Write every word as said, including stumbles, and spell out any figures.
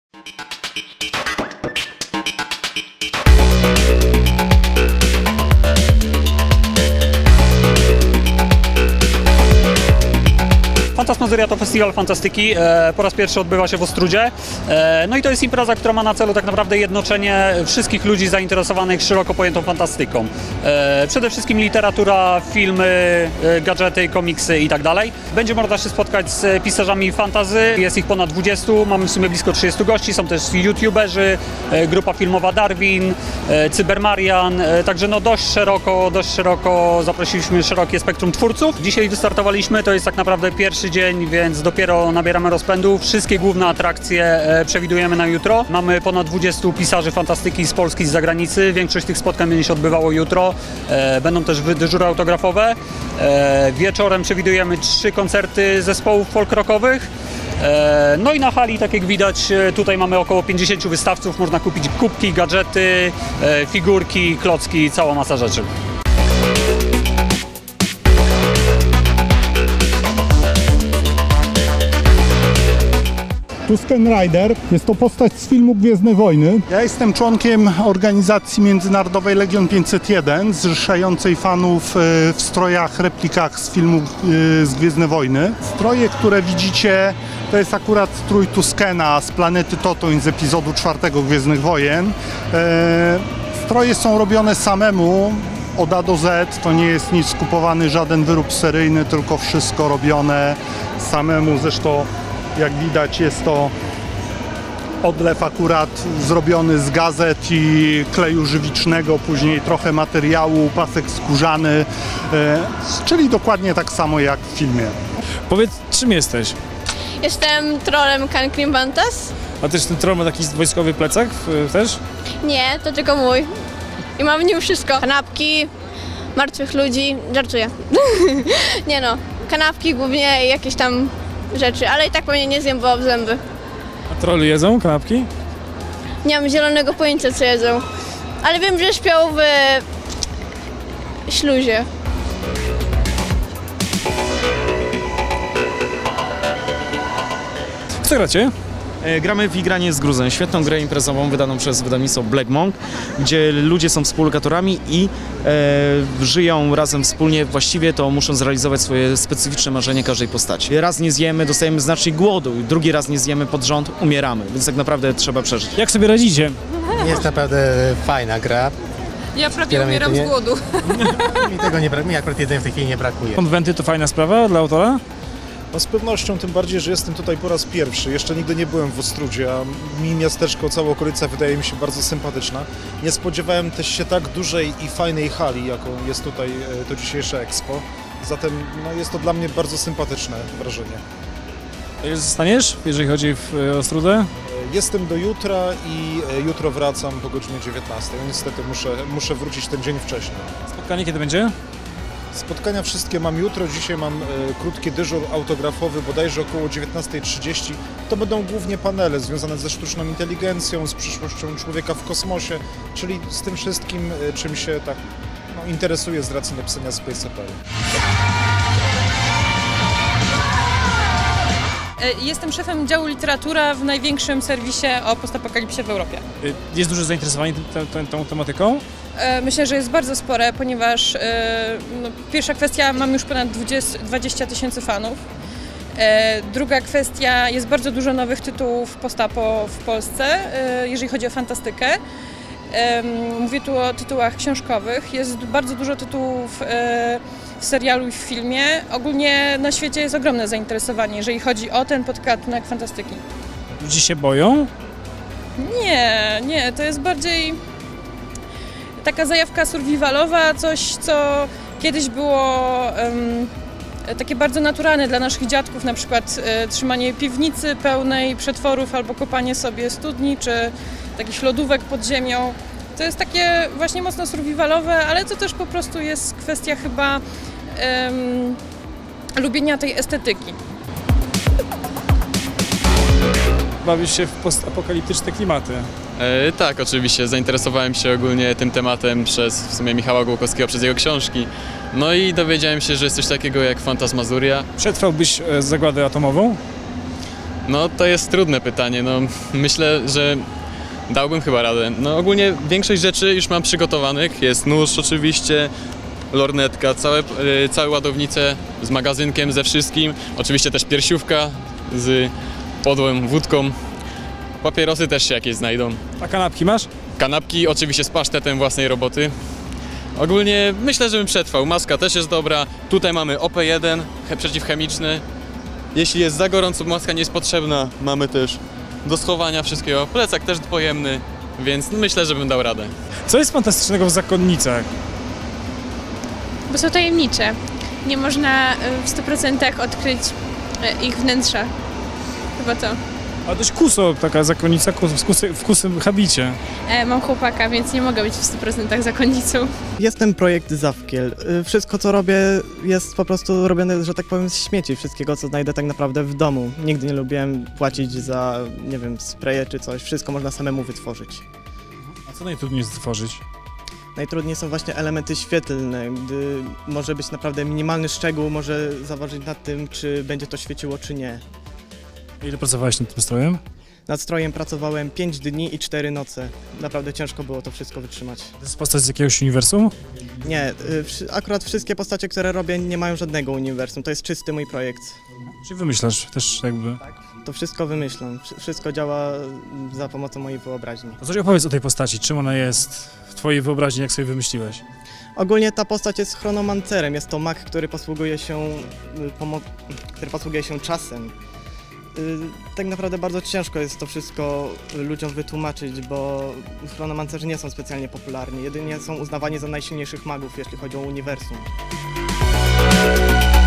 Fantasmazuria to festiwal fantastyki, e, po raz pierwszy odbywa się w Ostródzie, e, no i to jest impreza, która ma na celu tak naprawdę jednoczenie wszystkich ludzi zainteresowanych szeroko pojętą fantastyką. E, przede wszystkim literatura, filmy, e, gadżety, komiksy i tak dalej. Będzie można się spotkać z pisarzami fantasy, jest ich ponad dwudziestu, mamy w sumie blisko trzydziestu gości, są też youtuberzy, e, grupa filmowa Darwin, e, Cybermarian, e, także no dość szeroko, dość szeroko zaprosiliśmy szerokie spektrum twórców. Dzisiaj wystartowaliśmy, to jest tak naprawdę pierwszy dzień, więc dopiero nabieramy rozpędu. Wszystkie główne atrakcje e, przewidujemy na jutro. Mamy ponad dwudziestu pisarzy fantastyki z Polski i z zagranicy. Większość tych spotkań będzie się odbywało jutro. E, będą też dyżury autografowe. E, wieczorem przewidujemy trzy koncerty zespołów folk rockowych. E, no i na hali, tak jak widać, tutaj mamy około pięćdziesięciu wystawców. Można kupić kubki, gadżety, e, figurki, klocki, cała masa rzeczy. Tusken Rider jest to postać z filmu Gwiezdne Wojny. Ja jestem członkiem organizacji międzynarodowej Legion pięćset jeden, zrzeszającej fanów w strojach, replikach z filmu z Gwiezdne Wojny. Stroje, które widzicie, to jest akurat strój Tuskena z planety Totoń z epizodu czwartego Gwiezdnych Wojen. Stroje są robione samemu od A do Z, to nie jest nic skupowany, żaden wyrób seryjny, tylko wszystko robione samemu. Zresztą jak widać, jest to odlew akurat zrobiony z gazet i kleju żywicznego, później trochę materiału, pasek skórzany, e, czyli dokładnie tak samo jak w filmie. Powiedz, czym jesteś? Jestem trollem Kankrim Bantas. A też ten troll ma taki wojskowy plecak też? Nie, to tylko mój. I mam w nim wszystko. Kanapki, martwych ludzi, żartuję. Nie no, kanapki głównie i jakieś tam rzeczy, ale i tak pewnie nie zjem, bo w zęby. A trolly jedzą kanapki? Nie mam zielonego pojęcia, co jedzą. Ale wiem, że śpią w śluzie. W co gracie? Gramy w Igranie z gruzem, świetną grę imprezową wydaną przez wydawnictwo Black Monk, gdzie ludzie są współlokatorami i e, żyją razem wspólnie, właściwie to muszą zrealizować swoje specyficzne marzenie każdej postaci. Raz nie zjemy, dostajemy znacznik głodu, drugi raz nie zjemy pod rząd, umieramy, więc tak naprawdę trzeba przeżyć. Jak sobie radzicie? Jest naprawdę fajna gra. Ja prawie umieram z głodu. Mi tego nie brakuje, mi akurat jedzenia w tej chwili nie brakuje. Konwenty to fajna sprawa dla autora? No z pewnością, tym bardziej, że jestem tutaj po raz pierwszy. Jeszcze nigdy nie byłem w Ostródzie, a mi miasteczko, cała okolica wydaje mi się bardzo sympatyczna. Nie spodziewałem też się tak dużej i fajnej hali, jaką jest tutaj to dzisiejsze Expo. Zatem no, jest to dla mnie bardzo sympatyczne wrażenie. Zostaniesz, jeżeli chodzi o Ostródę? Jestem do jutra i jutro wracam po godzinie dziewiętnastej. No, niestety muszę, muszę wrócić ten dzień wcześniej. Spotkanie kiedy będzie? Spotkania wszystkie mam jutro, dzisiaj mam e, krótki dyżur autografowy, bodajże około dziewiętnastej trzydzieści. To będą głównie panele związane ze sztuczną inteligencją, z przyszłością człowieka w kosmosie, czyli z tym wszystkim, e, czym się tak no, interesuje z racji napisania Space Opera. Jestem szefem działu literatura w największym serwisie o postapokalipsie w Europie. Jest duże zainteresowanie tą, tą, tą tematyką? Myślę, że jest bardzo spore, ponieważ no, pierwsza kwestia, mam już ponad dwadzieścia tysięcy fanów. Druga kwestia, jest bardzo dużo nowych tytułów postapo w Polsce, jeżeli chodzi o fantastykę. Mówię tu o tytułach książkowych. Jest bardzo dużo tytułów w serialu i w filmie. Ogólnie na świecie jest ogromne zainteresowanie, jeżeli chodzi o ten podgatunek fantastyki. Ludzie się boją? Nie, nie, to jest bardziej taka zajawka survivalowa, coś co kiedyś było um, takie bardzo naturalne dla naszych dziadków, na przykład e, trzymanie piwnicy pełnej przetworów albo kopanie sobie studni czy takich lodówek pod ziemią. To jest takie właśnie mocno survivalowe, ale to też po prostu jest kwestia chyba um, lubienia tej estetyki. Bawisz się w postapokaliptyczne klimaty? E, tak, oczywiście. Zainteresowałem się ogólnie tym tematem przez w sumie Michała Głokowskiego, przez jego książki. No i dowiedziałem się, że jest coś takiego jak Fantasmazuria. Przetrwałbyś e, zagładę atomową? No to jest trudne pytanie, no myślę, że dałbym chyba radę. No ogólnie większość rzeczy już mam przygotowanych, jest nóż oczywiście, lornetka, całe, yy, całe ładownice z magazynkiem, ze wszystkim, oczywiście też piersiówka z podłą wódką, papierosy też się jakieś znajdą. A kanapki masz? Kanapki oczywiście z pasztetem własnej roboty. Ogólnie myślę, że bym przetrwał. Maska też jest dobra. Tutaj mamy O P jeden, he- przeciwchemiczny. Jeśli jest za gorąco, maska nie jest potrzebna. Mamy też do schowania wszystkiego. Plecak też pojemny, więc myślę, że bym dał radę. Co jest fantastycznego w zakonnicach? Bo są tajemnicze. Nie można y, w stu procentach odkryć y, ich wnętrza. Chyba to. A dość kuso, taka zakonnica kus- w, kusy, w kusym habicie. E, mam chłopaka, więc nie mogę być w stu procentach zakonnicą. Jestem projekt Zawkiel. Y, Wszystko co robię jest po prostu robione, że tak powiem, z śmieci. Wszystkiego co znajdę tak naprawdę w domu. Nigdy nie lubiłem płacić za, nie wiem, spreje czy coś. Wszystko można samemu wytworzyć. A co najtrudniej jest stworzyć? Najtrudniej są właśnie elementy świetlne, gdy może być naprawdę minimalny szczegół, może zaważyć nad tym, czy będzie to świeciło, czy nie. Ile pracowałeś nad tym strojem? Nad strojem pracowałem pięć dni i cztery noce. Naprawdę ciężko było to wszystko wytrzymać. To jest postać z jakiegoś uniwersum? Nie, y, wszy- akurat wszystkie postacie, które robię, nie mają żadnego uniwersum. To jest czysty mój projekt. Czy wymyślasz też jakby? To wszystko wymyślam. Wszy- Wszystko działa za pomocą mojej wyobraźni. To coś opowiedz o tej postaci, czym ona jest w twojej wyobraźni, jak sobie wymyśliłeś? Ogólnie ta postać jest chronomancerem. Jest to mag, który posługuje się, y, pomo- który posługuje się czasem. Y, Tak naprawdę bardzo ciężko jest to wszystko ludziom wytłumaczyć, bo chronomancerzy nie są specjalnie popularni. Jedynie są uznawani za najsilniejszych magów, jeśli chodzi o uniwersum.